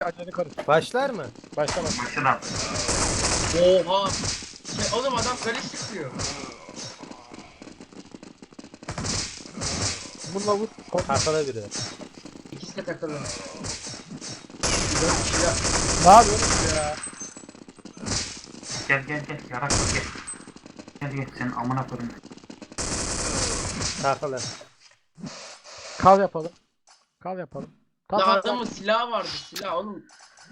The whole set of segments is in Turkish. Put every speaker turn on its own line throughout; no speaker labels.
Acele karış.
Başlar mı?
Başla bak.
Başına.
Oha. Oğlum adam kale sıkıyor.
Bununla vur.
Takıla biri.
İkisi de takılı. 4 kişi ya.
Ne yapıyorsun ya?
Gel. Yarak gel. Gel senin amına koyayım.
Takıla.
Kal yapalım. Kal yapalım.
Ya
Tamam.
adamın silahı vardı silah oğlum.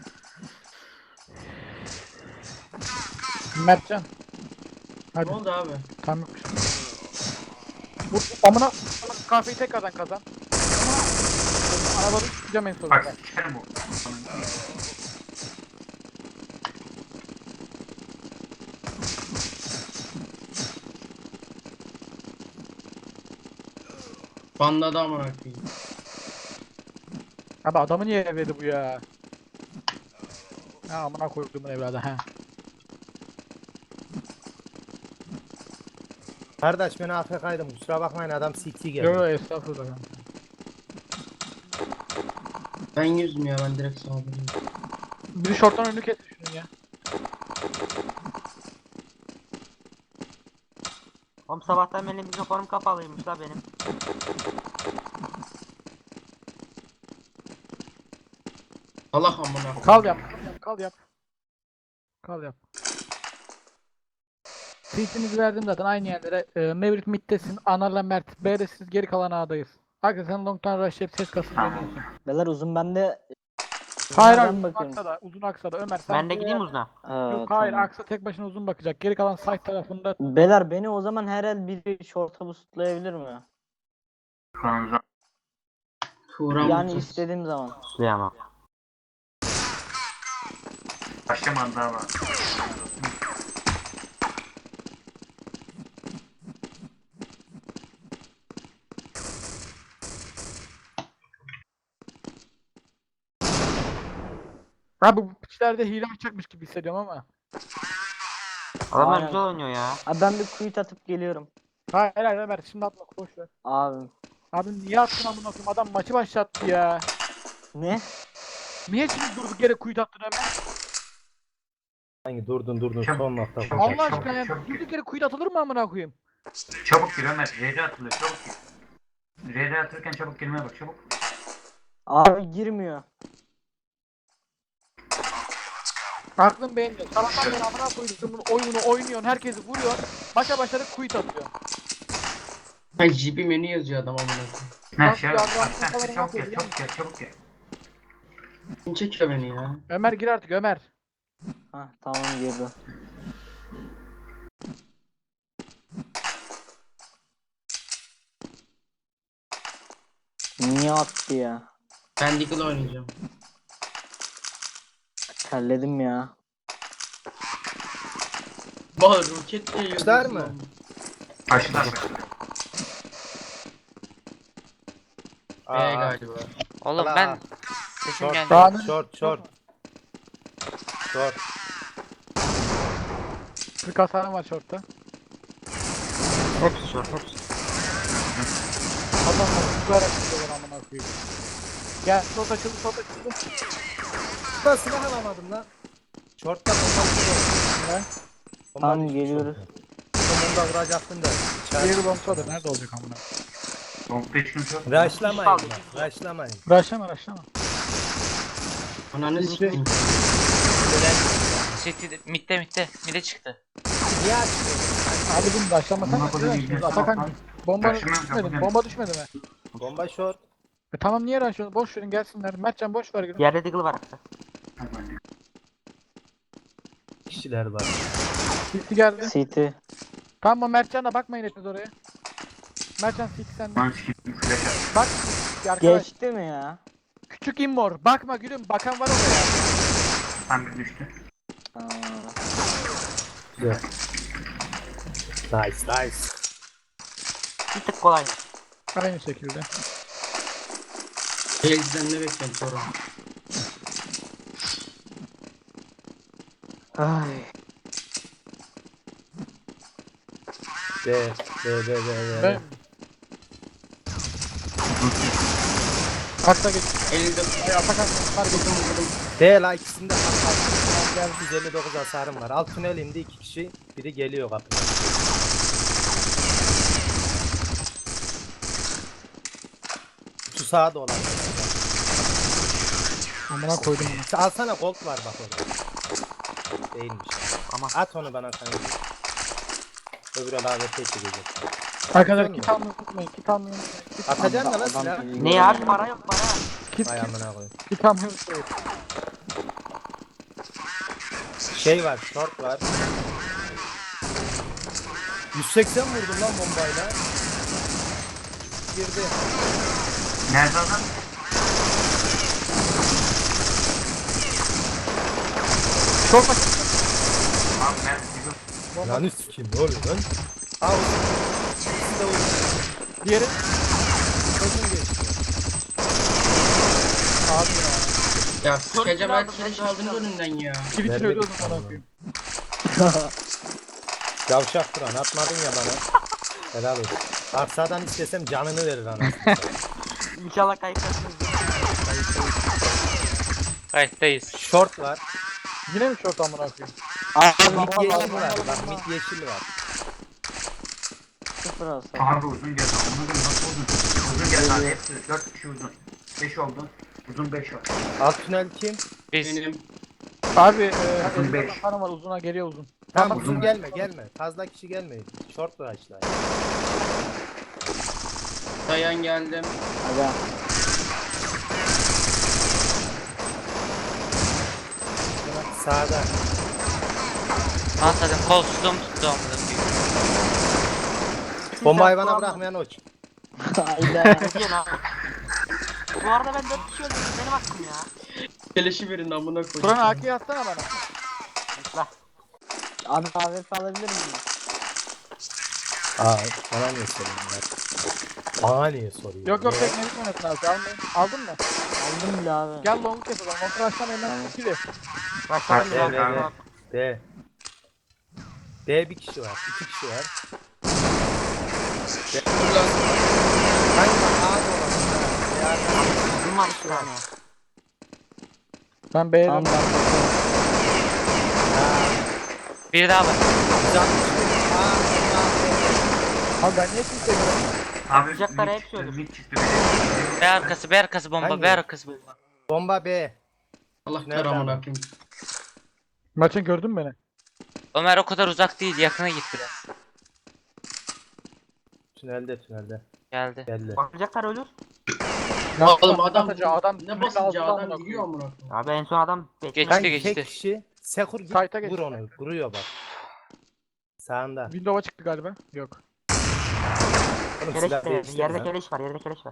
Mertcan.
Ne
Hadi.
oldu abi?
Tamam. Vur. Amına. Kahveyi tekrardan kazan. Arabanı tutacağım en sonunda.
Bak sikerim bu.
Banladı amına koyayım.
Abi adamı niye evledi bu ya? Ha amına koyduğumun evladı ha.
Kardeş ben AFK'ydım kusura bakmayın adam CT geldi.
Yo yo estağfurullah kanka.
Ben yüzüm ya ben direkt saldırıyorum.
Biri şorttan önünü kesti şunun ya.
Oğlum sabahtan beri mikrofonum kapalıymış la benim.
Allah amına koyayım.
Kal yap. Kal yap. Kal yap. Tweetinizi verdim zaten aynı yerlere. Mevlüt Mid'desin. Anar'la Mert. B'de siz geri kalan A'dayız. Arkadaşlar sen long'tan rushlayıp ses kasın
Tamam.
deniyorsun.
Beyler uzun bende.
Hayır
Ben
hayır uzun
bakıyorum.
aksa da. Uzun aksa da. Ömer sen.
Ben de gideyim uzuna.
Yok hayır aksa tek başına uzun bakacak. Geri kalan side tarafında.
Beyler beni o zaman her el biri şorta buslayabilir mi?
Kanınıza.
Turan
Yani
Mutus.
istediğim zaman.
Suyamam.
Başlamadı daha var.
Abi bu piçlerde hile açacakmış gibi hissediyorum ama.
Adamlar
Aynen.
güzel oynuyor ya.
Abi ben bir quit atıp geliyorum.
Hayır hayır Ömer şimdi atma boş ver.
Abi.
Abi niye attın amına koyayım adam maçı başlattı ya.
Ne?
Niye şimdi durduk yere kuyut attın Ömer?
Hangi durdun
Çabuk,
son nokta.
çabuk.
Allah aşkına ya durduk yere kuyut atılır mı amına koyayım?
Çabuk gir Ömer. RD atılıyor çabuk gir. RD atırken çabuk girmeye bak çabuk.
Abi girmiyor.
Aklım beğenmiyor. Sabahtan beri amına koyduğumun oyununu oynuyorsun, herkesi vuruyorsun. Maça başladık kuyut atıyor.
Ay GP menü yazıyor adam amına koyayım.
Ne
Bak,
şey
bir
yap.
adam
Sen
kafalarına
çabuk gel
atıyor,
çabuk gel.
Kim çekiyor beni ya?
Ömer gir artık Ömer.
Hah tamam girdi. Niye attı ya?
Ben Deagle oynayacağım.
Terledim ya.
Bak roket diye
Başlar
yazıyorsun
mı?
lan.
Başla.
B galiba.
Oğlum
Allah.
ben sesim
Short,
geldi.
Daha ne?
short.
40 hasarım var shortta.
Hepsi short hepsi.
Adamlar tutuyarak tutuyorlar amına koyayım. Gel short açıldı.
Ben silah alamadım lan. Short'ta bomba.
Tamam geliyoruz.
Sonunda vuracaktın da.
Diğeri bombsadır. Nerede olacak amına?
Soğukta hiç kimse yok.
Rushlamayın lan. Rushlamayın.
Rushlama.
Ananı sikeyim.
City mid'e çıktı.
Niye açtın?
Abi bunu rushlamasan
Amına koyayım,
ne şimdi?
iyice
Atakan
sağ ol.
bomba
Rushlamıyorum,
düşmedi mi?
yapacağım.
Bomba düşmedi mi?
Bomba short.
Tamam niye rushlıyorsun? Boş verin gelsinler. Mertcan boş ver. Gülüm.
Yerde Deagle var hatta.
Kişiler var.
City geldi.
City.
Tamam Mertcan'a bakmayın hepiniz oraya. Mertcan City sende.
Lan sikim flash at.
Bak arkadaş.
Geçti mi ya?
Küçük immor. Bakma gülüm. Bakan var oraya.
Tam bir düştü.
Aa,
Güzel. Nice.
Bir tık kolay.
Aynı şekilde.
Elden ne bekliyorum sonra.
Ay.
B.
Ben... Aksa geç.
59.
Ay Atakan var geç.
D la ikisinde gel 159 hasarım var. Alt tünel indi 2 kişi. Biri geliyor kapıya. Şu sağa dolan.
Amına koydum onu.
Alsana gold var bak orada. Değilmiş.
Ama
At onu bana kanka. Öbür AWP çekecek.
Arkadaşlar kit almayı unutmayın. Kit almayı unutmayın. Kit
Atacaksın da lan
Adam
silah.
geliyor.
ne abi, para yok para.
Kit
Vay amına koyayım.
kit almayı unutmayın.
Şey var, short var. 180 vurdum lan bombayla. Girdi.
Nerede adam?
Çok basit.
Abi Mert gidiyor.
Lan sikeyim ne oluyor lan? Al. İkisi de vurdu.
Diğeri.
Gözüm geçti.
Abi ya.
Ya sikeceğim ben kireç aldınız önünden ya.
Twitch'in
Vermedik
ölüyordum
sana.
ona koyayım.
Yavşak duran atmadın ya bana. Helal olsun. Arsadan istesem canını verir anasını.
İnşallah kayıtlasınız. Kayıttayız.
Short var.
Yine mi short amına koyayım?
Mid yeşil var. Bak mid yeşil var.
Sıfır hasar.
Abi uzun geldi. Onu da nasıl uzun? Uzun geldi abi hepsi. 4 kişi uzun. 5 oldu. Uzun 5 var.
Alt tünel kim?
Biz
Benim.
Abi
Uzun
elimde
beş.
kanım var uzuna geliyor uzun.
Tamam
uzun.
uzun gelme. Fazla kişi gelmeyin. Short var açlar.
Dayan geldim.
Hadi.
Sağda.
anladım, kol tutum tuttu amına koyayım.
Bomba hayvana bırakmayan oç.
Hayda.
Ne diyorsun abi? Bu arada ben 4 kişi öldürdüm, benim hakkım ya.
Keleşi verin amına koyayım.
Turan AK'yi atsana bana.
Lütfen.
Abi AWP alabilir miyim?
Aa bana niye soruyorsun ya? Bana niye soruyorsun?
Yok yok
ya?
teknelik oynasın abi. Almayın. Aldın mı?
Aldım bile abi.
Gel long'u yapalım. Long rush'tan elinden ikili.
Başlarım
Evet,
ya.
evet. D. D bir kişi var. 2 kişi var. D. Hangi A dolan?
Uzun var 2 tane.
Ben B'ye
Tamam
döndüm.
ben
Bir daha var.
Abi ben niye kimseye göremiyorum?
Abi
Sıcaklara
mid
hep
çıktı,
söylüyorum.
mid çıktı. Bir de.
B arkası bomba,
Hangi?
B arkası bomba.
Bomba B.
Allah
Nereden
kar amına
bak?
koyayım.
Maçın gördün mü beni?
Ömer o kadar uzak değil, yakına git biraz.
Tünelde.
Geldi.
Geldi.
Bakacaklar ölür.
Oğlum adam
adam
ne basınca adam gidiyor amına koyayım.
Abi en son adam geçti.
Kanki
Geçti
tek kişi. Sekur git
Kayta geç.
vur onu. Vuruyor bak. Sağında.
Windows'a çıktı galiba. Yok.
Oğlum
Keleş
silah
de,
değiştirme
yerde
lan.
keleş var, yerde keleş var.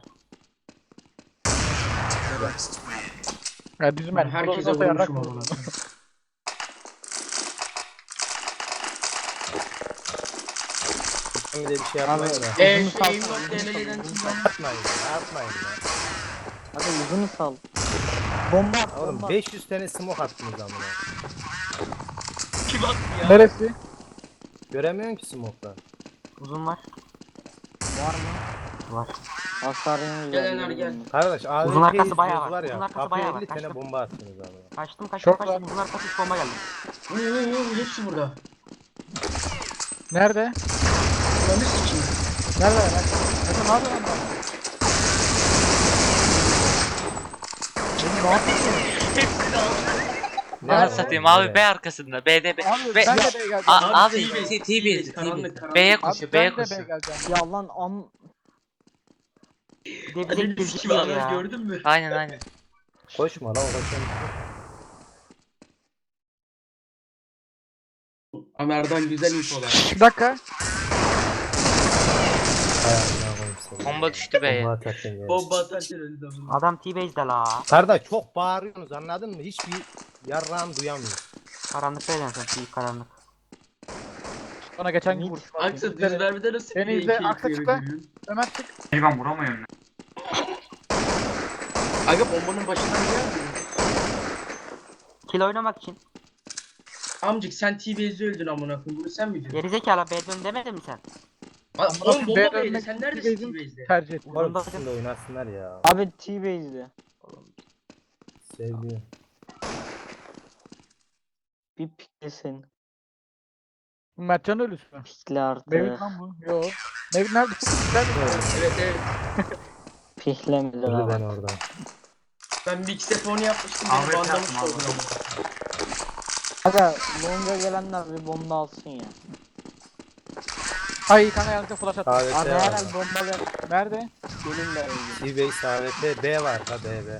Ya bizim ben.
Herkese vurmuşum amına koyayım.
Bir de bir şey yapmayın da.
Şeyim
Uzun
yok
kalsın,
DLL'den
Atmayın ya. Atmayın ya.
Hadi uzunu sal. Bomba at
Oğlum
bomba.
500 tane smoke attınız amına.
kim attı ya?
Neresi?
Göremiyorsun ki smoke'tan.
Uzun var.
Var mı?
Var.
Hasarın
Gel Ener, gel.
Kardeş
Uzun
AWP
arkası bayağı
izliyoruz
var.
var ya.
Uzun arkası
Kapıya
bayağı
50
var.
tane
Kaçtım.
bomba attınız amına.
Kaçtım
Çok
kaçtım.
var.
Uzun arkası 3 bomba geldi.
Oo hepsi burada.
Nerede?
Ananı sikeyim.
Nerede? Nerede? Ne yapıyorsun lan? Beni ne yapıyorsun?
Ne
Anasını
var?
satayım
Nerede?
abi, B arkasında. B'de B.
Abi
B.
ben de B'ye geleceğim.
Abi
T-base,
T-base.
karanlık, karanlık.
B'ye
Abi
koşuyor,
ben
B'ye
de B'ye
koşuyor.
geleceğim.
Ya lan
Bir de
Ananı
bize
sikeyim
gözüküyor
adam
ya.
gördün mü?
Aynen.
Koşma lan koşma.
Ömer'den güzel infolar.
Bir dakika.
Ayağına koyayım seni.
Bomba düştü B'ye.
Bomba atarken geldi.
Bomba atarken öldü amına.
Adam T-base'de la.
Kardeş çok bağırıyorsunuz anladın mı? Hiçbir yarrağım duyamıyor.
Karanlıkta edensin, T karanlık.
Bana geçen gün vuruş var.
Aksa düz vermede nasıl
Beni
bir
izle,
iki
Aksa
iki
çıkla.
görüyorsun?
Ömer çık.
Ben vuramıyorum.
Aga bombanın başından geldi.
Kill oynamak için.
Amcık sen T-Base'de öldün amına koyayım. Bunu sen mi diyorsun?
Gerizekalı B dön demedin mi sen?
Oğlum bomba
B'ye
B'yle
dönmek
sen
için
neredesin
T-Base'in
T-Base'de?
tercih et.
Oğlum ikisini oynasınlar ya.
Abi T-Base'di.
Sevdiğim.
Bir piklesin.
Mertcan ölüsü mü?
Pikle artık.
Mevlüt lan bu. Yo. Mevlüt nerede? Nerede?
Evet evet.
Piklemedi
Öldü ben
lan.
orada.
Ben mix onu yapmıştım.
Ahmet
Beni bandamış
yaptım
oldun
abi.
ama.
Aga longa gelenler bir bomba alsın ya.
Ay kanka yanlışlıkla flash attım.
AWP
Abi
var.
herhal bombalar
Nerede?
gelin de öldü.
T-Base AWP B var ha B.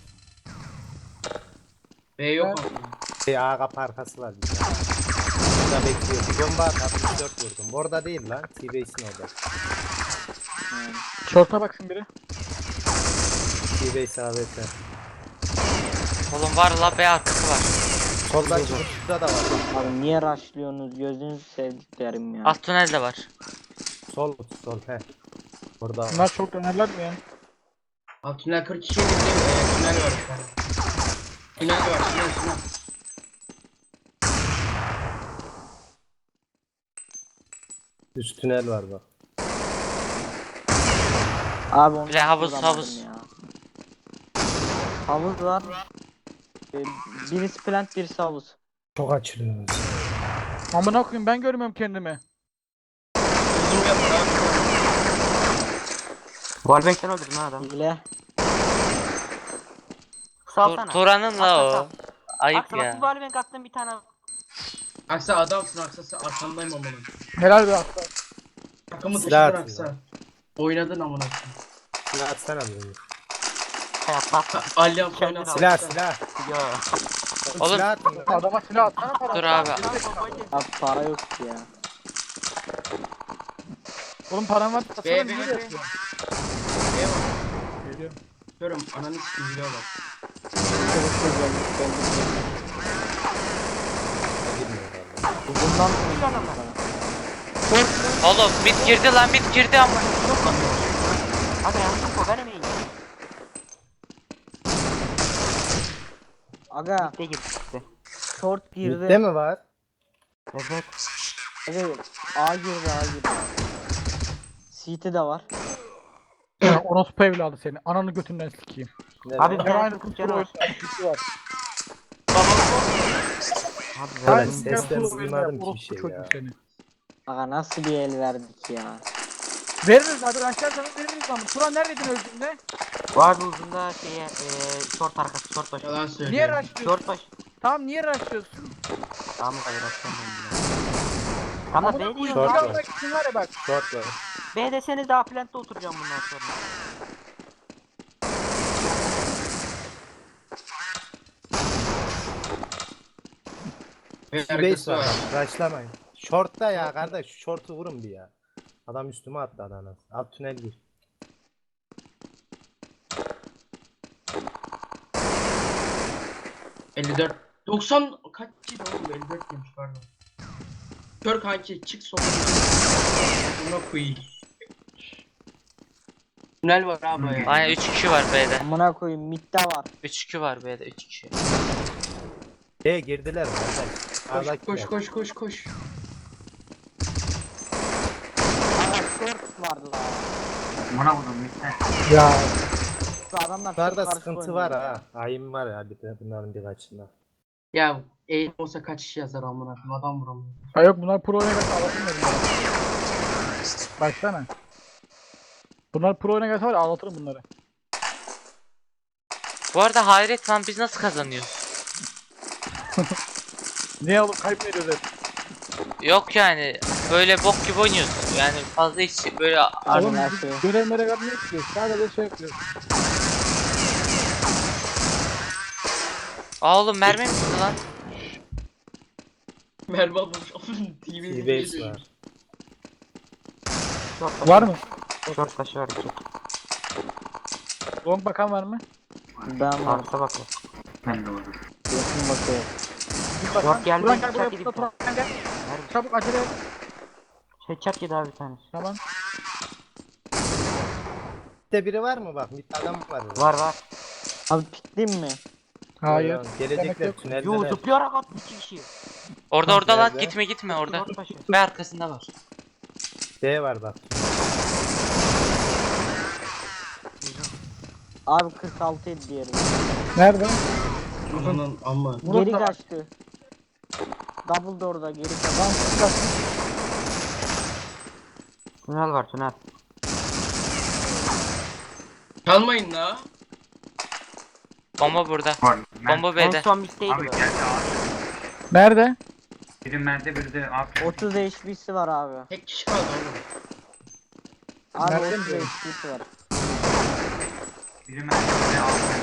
B yok
Evet.
ama.
A kapı arkası var bir tane. Burada bekliyor. Bir bomba at 64 vurdum. Orada değil lan. T-Base'in orada.
Yani.
Short'a baksın biri.
T-Base AWP.
Oğlum var la B arkası var.
Soldaki kutuda da var.
Abi niye rushlıyorsunuz? Gözünüzü sevdiklerim ya.
Alt tünel de var.
Sol kutu sol he. Orada var.
Bunlar çok dönerler mi ya?
Abi tünel 42 yedi tünel var bir tane. Tünel var tünel.
Üst tünel var bak.
Abi onu
Bir de havuz,
vuramadım
havuz.
ya. Havuz var. Birisi plant birisi havuz.
Çok açılıyoruz.
Amına koyayım ben görmüyorum kendimi.
Uzun yapar abi.
Wallbank'ten öldürdün ha adam.
Hile.
Salsana.
Turan'ın la o. Ayıp
Aksa bak bir
ya.
wallbank attım bir tane.
Aksa adamsın Aksa arkandayım amına.
Helal be aslan.
Takımı
Silah
taşıdın
atıyor.
Aksa. Oynadın amına.
Silah atsana bunu.
Hayatta.
Ali Aksa oyna.
Silah.
Ya.
Oğlum.
Silah atın lan.
Adama silah atsana para.
Dur abi.
Abi para yok ki ya.
Oğlum paran var. Atsana
B,
niye
B, B.
yapıyorsun?
B var.
Geliyorum.
Görüyorum ananı sikim biliyor bak.
Çabuk güzel. Bundan
Oğlum mid girdi lan mid girdi ama.
Hadi yanlış o benim iyiyim.
Aga
De gitti.
short
Midde
girdi.
mi var?
Evet.
Aga A girdi. CT de var.
Ya orospu evladı seni. Ananı götünden sikeyim.
Nerede?
Abi
Her
ben
aynı
çok
kusur
canı var.
oyunu var.
Abi
Evet,
verdim.
sesten duymadım ki bir şey
Çocuk
ya.
seni.
Aga nasıl bir el verdik ya.
Veririz abi açarsanız veririz ama. Turan neredeydin öldüğünde?
Vardı uzunda şeye short arkası short başı.
Yalan söylüyor.
Niye rushlıyorsun?
Short başı.
Tamam niye rushlıyorsun?
Tamam hayır açamıyorum. Ama B
Bu
diyor.
Short
silah
var.
almak için var ya bak.
Short var.
B deseniz daha plantta oturacağım bundan sonra.
T-Base var. Rushlamayın. Short'ta ya kardeş. Şu short'u vurun bir ya. Adam üstüme attı adana. Alt tünel gir.
...54... 90... Kaççıydı oğlum? 54 demiş pardon. Kör kanki çık sola. Buna koyayım. Tünel var abi ya.
Aynen 3 kişi var B'de.
Amına koyayım midde var.
3-2 var B'de 3 kişi.
Girdiler kardeş.
Koş.
Aga short vardı la.
Buna vurdum mitte.
Ya.
Şu adamlar çok
Bunlarda
karışık
sıkıntı
oynuyor
var
ya.
ha. Ayım var ya bir de bunların birkaçında.
Ya eğim olsa kaç kişi yazar amına koyayım adam vuramıyor.
Ha yok bunlar pro oyuna gelse ağlatırım ben bunları. Baksana. Bunlar pro oyuna gelse var ya ağlatırım bunları.
Bu arada hayret lan biz nasıl kazanıyoruz?
Niye alıp kaybediyoruz hep?
Yok yani böyle bok gibi oynuyoruz. Yani fazla hiç böyle
Abi
Oğlum
her
biz
şey.
görevlere gelmeyi istiyoruz. Sadece şey yapıyoruz.
Aa oğlum mermi mi sıktı lan?
Merve bulmuş.
T-Base var.
Short başı.
Var mı?
Short başı var iki.
Long bakan var mı?
Ben var.
Arka bakıyor. Ben de varım.
Yakın bakıyor.
Bir bakan.
Yok, geldi,
Turan gel
bıçak
buraya
yedi
Turan
bir
gel.
Nerede?
Çabuk acele et.
Headshot yedi abi bir tanesi.
Tamam.
Midde biri var mı bak? Midde adam var.
Var.
Abi pikleyeyim mi?
Hayır.
Demek Gelecekler
yok.
Yo
tüneldeler.
zıplayarak attı iki kişi.
Orada lan
Nerede?
gitme orada.
Short başı.
B arkasında var.
D var bak.
Abi 46 idi diyelim.
Nerede?
Ananın amma.
Geri
da var.
kaçtı. Double door'da geri kaçtı.
Lan bak.
Tünel var tünel.
Çalmayın la.
Bomba burada.
Var.
Bomba
En
B'de.
son bitteydi
Abi
bu.
geldi abi.
Nerede?
Biri Mert'e biri de abi.
30 HP'si var abi.
Tek kişi kaldı oğlum.
Abi
Nerede
30
mi?
HP'si var.
Biri Mert'e biri de abi.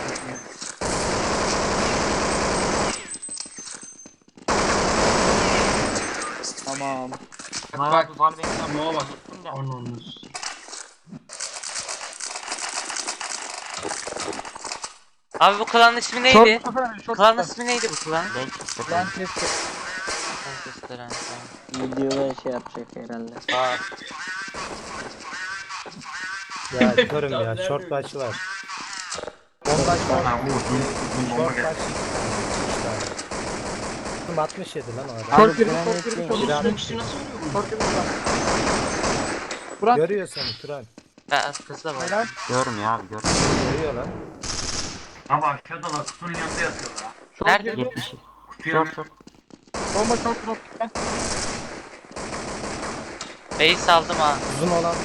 Tamam.
Bak
Bak
bak.
var benim
Moğa bak.
de.
Anonuz.
Abi bu klanın ismi neydi?
Short kafa, short
Klanın
kafa.
ismi neydi bu klan?
Ben çıktı.
Lan keşke.
Restoran, tamam.
Videoda şey yapacak herhalde.
Aa,
Ya körüm ya. Short başı var. Bomba short.
Ha bu uzun bomba
Short
geldi.
başı. 67 lan o adam.
Short
Abi,
girdi,
ben
short girdi,
ekleyeyim.
short
Bir
girdi.
abi.
Bu kişi nasıl vuruyor bunu?
Short girdi. Burak.
Görüyor seni Turan.
ben arkası da var.
Helal.
Görüm ya abi görüm.
Görüyor lan.
Abi aşağıda da kutunun yanında yatıyorlar.
Short
Nerede?
girdi.
70.
Kutuya
Short short.
Bomba short drop.
B'yi saldım ha.
Uzun olan.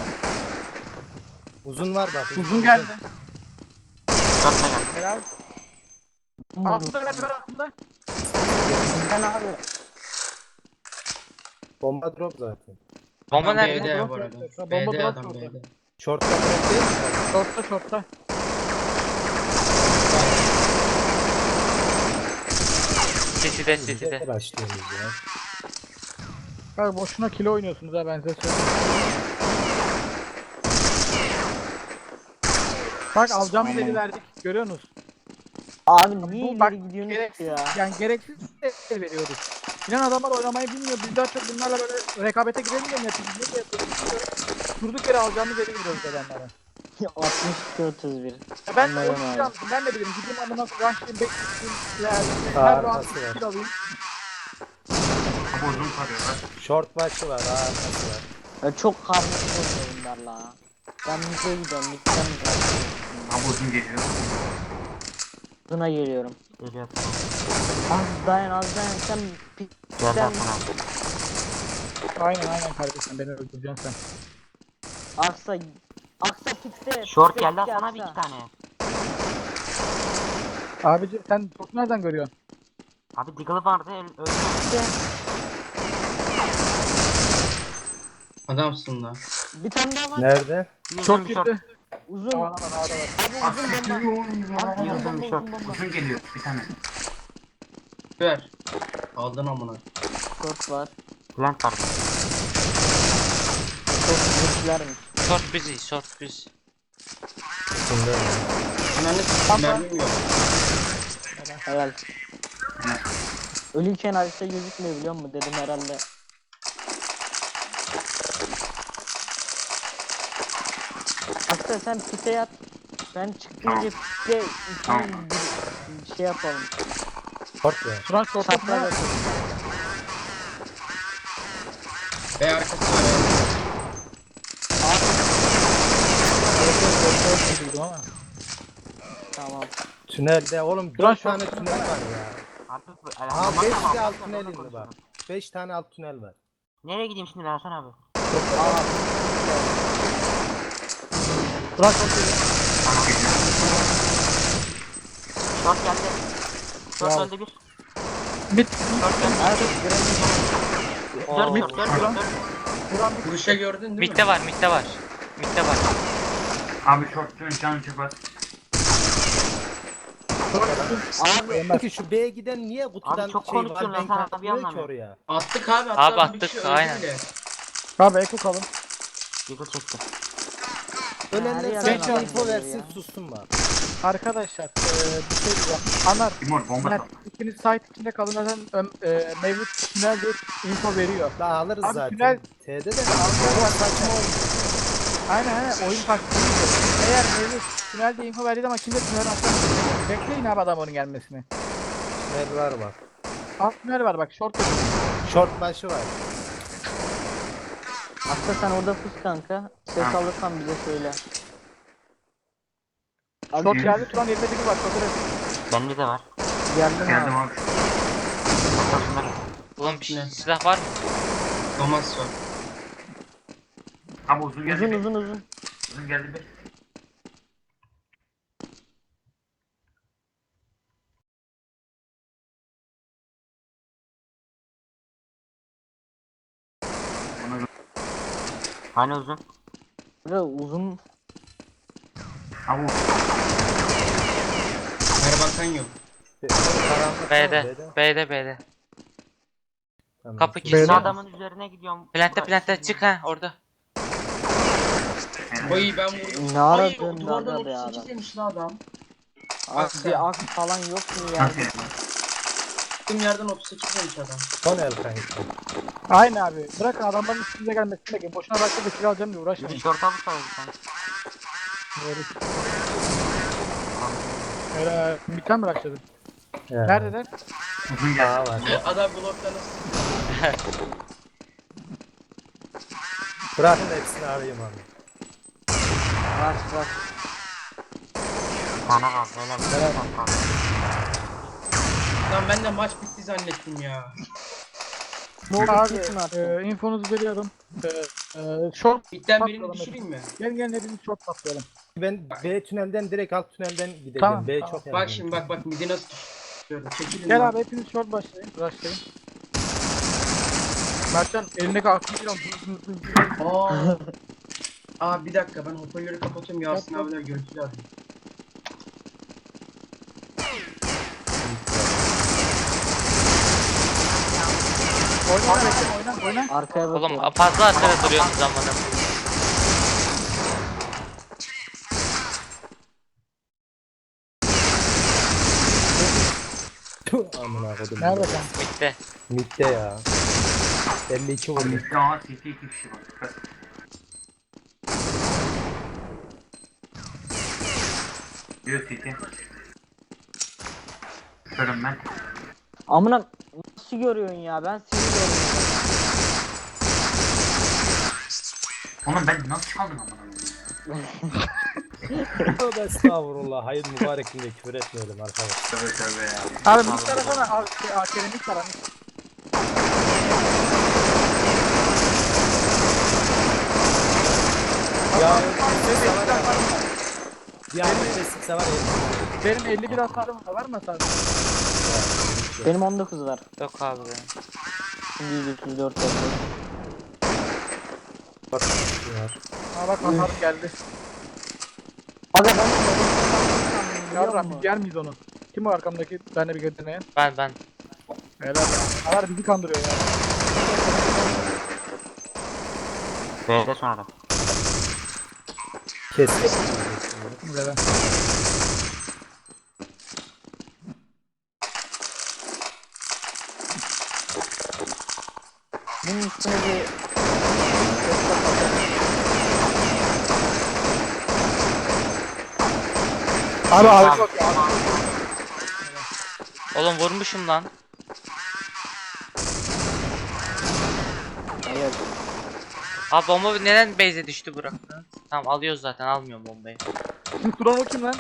Uzun var bak.
Uzun geldi.
Short da geldi.
Helal. Altında helal ver altında.
Sen abi.
Bomba drop zaten.
Bomba
Adam
nerede?
B'de
Drop
bu arada.
yapıyor. Bomba
B'de
drop
adam
yapıyor.
B'de.
Short'ta drop değil mi?
Short'ta short'ta.
City'de City'de.
Bizde başlıyoruz ya.
Bak boşuna kilo oynuyorsunuz ha ben size söyleyeyim. Bak alacağım dedi verdik. Görüyorsunuz.
Abi niye
Bu bak,
ileri gidiyorsunuz
gereksiz,
ya?
yani gereksiz el veriyoruz. İnan adamlar oynamayı bilmiyor. Biz daha çok bunlarla böyle rekabete girelim de mi yapıyoruz? Ne yapıyoruz? bilmiyorum. Durduk yere alacağımız eli veriyoruz adamlara.
62 31.
Ya ben
Anladım
oynayacağım.
abi.
Ben de bilirim. Gideyim amına koyayım. Bekleyeyim. Yani her round
Arkası var.
kill alayım.
Abi uzun sarıyorlar.
Short başı var. Arkası var.
Ya çok karmaşık oluyor bunlarla. Ben müzeye gidiyorum. Midden
Abi uzun geliyor.
Buna geliyorum.
Geliyor tamam.
Az dayan az dayan sen
Geldi
pikten
Hasan abi.
Aynen kardeşim beni öldüreceksin sen.
Aksa pikte.
Short
pikte
geldi Hasan abi
Aksa.
2 tane.
Abici sen çok nereden görüyorsun?
Abi Deagle vardı öldü.
Adamsın la.
Bir tane daha var.
Nerede?
Çok
Yıldırım short.
girdi.
Uzun.
Aa, ağda var.
Abi uzun bomba. Abi uzun
Yıldırım
bomba
short.
uzun bomba.
Uzun geliyor bir tane.
Ver. Aldın amına.
Short var.
Plant vardı.
Çok güçlermiş.
Short busy, short busy.
Üstünde.
Mermim yok.
Helal. Ölüyken harita gözükmüyor biliyor musun? Dedim herhalde. Aksa sen pite yat. Ben çıkınca pite
Tamam.
bir şey yapalım.
Short ya.
Turan short'ta
Şaplar
ne?
yapalım.
B arkası var.
Duydum ama.
Tamam.
Tünelde oğlum
Duran
4 tane
short
tünel var ya.
Artık bu.
Aa 5 de alt tünel indi bak. 5 tane alt tünel var.
Nereye gideyim şimdi ben Hasan abi?
Turan short geliyor.
Ama geliyor.
Short geldi. Short
Bravo.
öldü bir.
Mid.
Short geldi.
Oo.
4
Mid.
short 4
Turan.
short.
Turan bir.
Vuruşa gördün değil mi?
Mid'de var, mid'de var. Mid'de var.
Abi short'un canı çıkmaz.
Abi
Peki şu B'ye giden niye kutudan
Abi çok
şey var
konuşuyorsun
ben
lan, sen abi
katmıyor ki
anlamıyorum.
oraya?
Attık abi. Hatta
Abi
bir
attık,
kişi öldü
aynen.
bile.
Abi eko kalın.
Deagle çekti.
Ölenler
Her
sadece
yerden
info
geliyor
versin
ya.
sussun bak.
Arkadaşlar bir şey diyeceğim. Anar.
Timur bomba
Mert
sal.
ikiniz site içinde kalın zaten Mevlüt tünel diye info veriyor.
Daha alırız
Abi
zaten.
tünel-
T'de de ama saçma oldu.
Aynen oyun taktiği. Eğer Mevlüt tünel diye info verdi ama kimse tünel atlamıyor. Bekleyin abi adam onun gelmesini.
Tünel var bak.
Alt tünel var bak short.
Short başı var.
Aslı sen orada pus kanka. Ses
Tamam.
alırsan bize söyle.
Çok geldi şu an elimde biri var. Çok önemli.
Bende de var.
Geldim
Geldim
abi.
abi.
Kafasında.
Oğlum bir
Ne?
silah var mı?
Thomas var.
Abi uzun geldi.
Uzun
bir.
uzun uzun.
Uzun geldi bir. Onu
Hani uzun?
Ve uzun.
abi
Merhabakan yok.
Karanlık
B'de. B'de.
Tamam.
Kapı
B'de.
kilitli.
Adamın üzerine gidiyorum.
Plante çık ha orada.
Oy ben vurdum.
Ne
Ay
aradın
duvardan
da be
38
adam?
demiş la adam.
Abi
sen.
bir ak falan yok mu ya?
nasıl yani?
Tüm yerden 38 demiş adam.
Son el kanka.
Aynen abi. Bırakın adamların üstünüze gelmesini bekleyin. Boşuna başka bir silah alacağım diye uğraşmayın.
Bir şorta bu sayılır sen.
Öyle biten mi başladı?
Ya.
Neredeler?
Uzun
Daha
geldi.
var.
Adam blokta nasıl?
Bırakın da hepsini arayayım abi.
Var.
Bana kal. Helal.
Lan ben de maç bitti zannettim ya.
Ne oldu
Abi,
abi?
kim attı?
Infonuzu veriyorum. Short
Bitten birini
patlayalım.
düşüreyim mi?
Gelin hepimiz short patlayalım.
Ben B tünelden direkt alt tünelden gideceğim.
Tamam,
B
tamam.
çok
Bak
önemli.
şimdi bak midi nasıl düşürüyorum. Çekilin
Gel
lan.
abi hepiniz short başlayın. Başlayın. Mertcan elindeki aklını falan.
Aa. Aa bir dakika ben hoparlörü kapatıyorum Yasin
Yap.
abiler görüntülü arıyor.
Oyna.
Arkaya
Oğlum
bakıyorum.
fazla arkada duruyorsunuz zamanı.
Tüh, amına kodum.
Nerede sen?
Bitti.
Mid'de ya. 52 vurdu.
Midde aha CT 2 kişi var. Dikkat. Diyor CT. Görüm ben.
Amına nasıl görüyorsun ya? Ben seni görmüyorum.
Oğlum ben nasıl çaldım amına koyayım ya?
Tövbe estağfurullah. Hayır mübarek günde küfür etmeyelim arkadaşlar.
Tövbe tövbe ya.
Abi bir tarafına abi Kerem'in tarafı.
Ya bir anda kesikse var ya.
Benim 51 hasarım var mı hasarım?
Benim 19 var.
Yok abi benim.
Şimdi 134 oldu.
Bak var.
Aa bak hasarım geldi.
Aga ben
Yarram biz yer miyiz onu? Kim o arkamdaki? Ben de bir götürmeye.
Ben.
Helal ya. Alar bizi kandırıyor ya.
B'de sonra.
Kes.
Helal.
bunun üstüne bir
Abi bak ya.
Oğlum vurmuşum lan.
evet.
Abi bomba neden base'e düştü bıraktı? Tamam alıyoruz zaten almıyorum bombayı.
Şimdi duran o kim lan?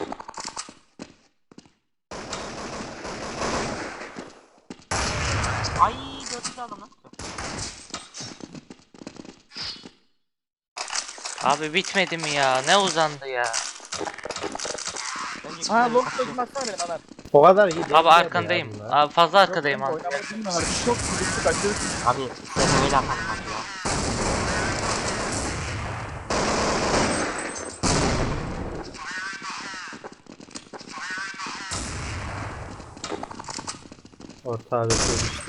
Ay 4 aldım lan.
Abi bitmedi mi ya? Ne uzandı ya?
Bence
Ha
güzel.
long sözüm atsana benim Alar.
O kadar iyi değil.
Abi
ya
arkandayım.
bunlar.
Abi fazla arkadayım abi.
Oynamayı bilmiyorlar. Biz çok sıkıntı kaçırdık.
Abi SFV'yle atalım hadi ya.
Orta abi düştü.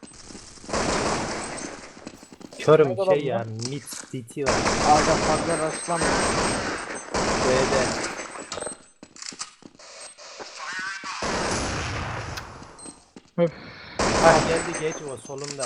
Körüm
Nerede
şey
lan
ya mid CT var.
Aga fazla rastlanma.
B'de.
Öf.
Ha geldi geç o solunda.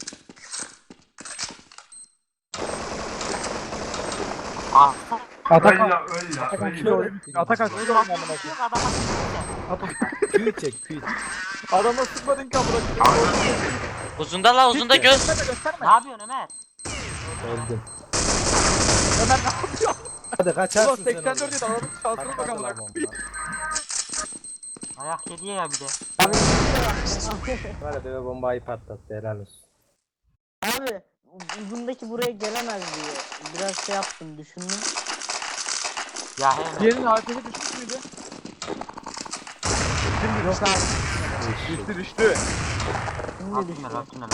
Ah.
Atakan.
Öl
Atakan kilo oyun. Atakan kilo oyun amına koyayım.
Yok adama
Atakan.
Q çek Q.
Adama sıkmadın ki amına koyayım.
Uzunda la uzunda göz.
Gösterme gösterme.
Ne yapıyorsun Ömer?
Öldüm.
Ömer ne yapıyor?
Hadi
Ulan
kaçarsın sen
84
oradan.
yedi adamın şansına bak
Patladı
amına
lan
koyayım.
bomba.
Ayak yedi ya bir de.
Var ya deve bombayı patlattı helal olsun.
Abi uzundaki buraya gelemez diye. Biraz şey yaptım düşündüm.
Ya hemen.
Diğerinin AFK düşmüş müydü?
Yok abi.
Düştü düştü.
Şimdi
Atma
düştü.
atma.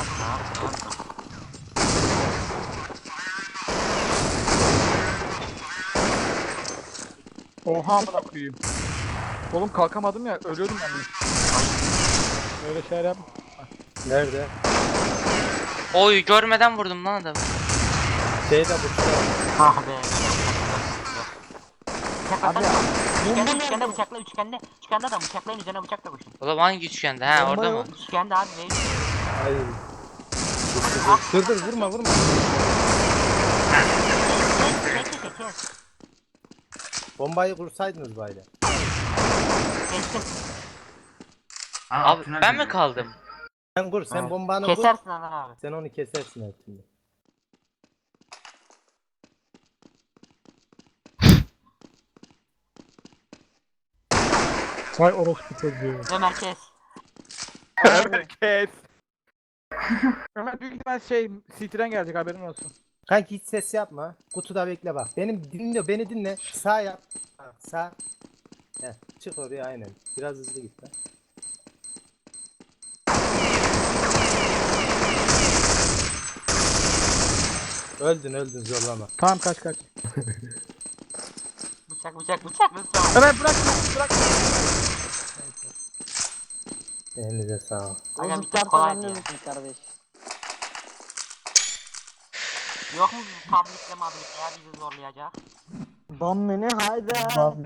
Oha amına koyayım. Oğlum kalkamadım ya ölüyordum yani. Öyle şeyler yap.
Nerede?
Oy görmeden vurdum lan adamı.
Şeyde bu.
Ah be.
Abi
Üçgende bıçakla üçgende. Üçgende adam bıçaklayın üzerine bıçakla koşun.
Oğlum hangi üçgende? Ha
Bomba
orada mı?
yok.
Üçgende abi ne?
Hayır. Dur vurma.
Kes.
Bombayı kursaydınız böyle.
Kestim.
Abi ben mi kaldım?
Sen kur sen
Evet.
bombanı kur.
Kesersin Adnan abi.
Sen onu kesersin her türlü.
Vay orospu çocuğu.
Ömer kes.
Ömer kes. Ömer büyük ihtimal şey City'den gelecek haberin olsun.
Kanki hiç ses yapma. Kutuda bekle bak. Beni dinle. Sağ yap. Bak, sağ. Heh, çık oraya aynen. Biraz hızlı git lan. Öldün zorlama.
Tamam kaç.
Bıçak.
Ömer bırak.
Elinize sağ ol.
Aga
Azıcık
bir tek kolay
tartalan
diye.
ölürsün kardeş.
Yok mu tablitle mablitle ya bizi zorlayacak?
Bam beni hayda.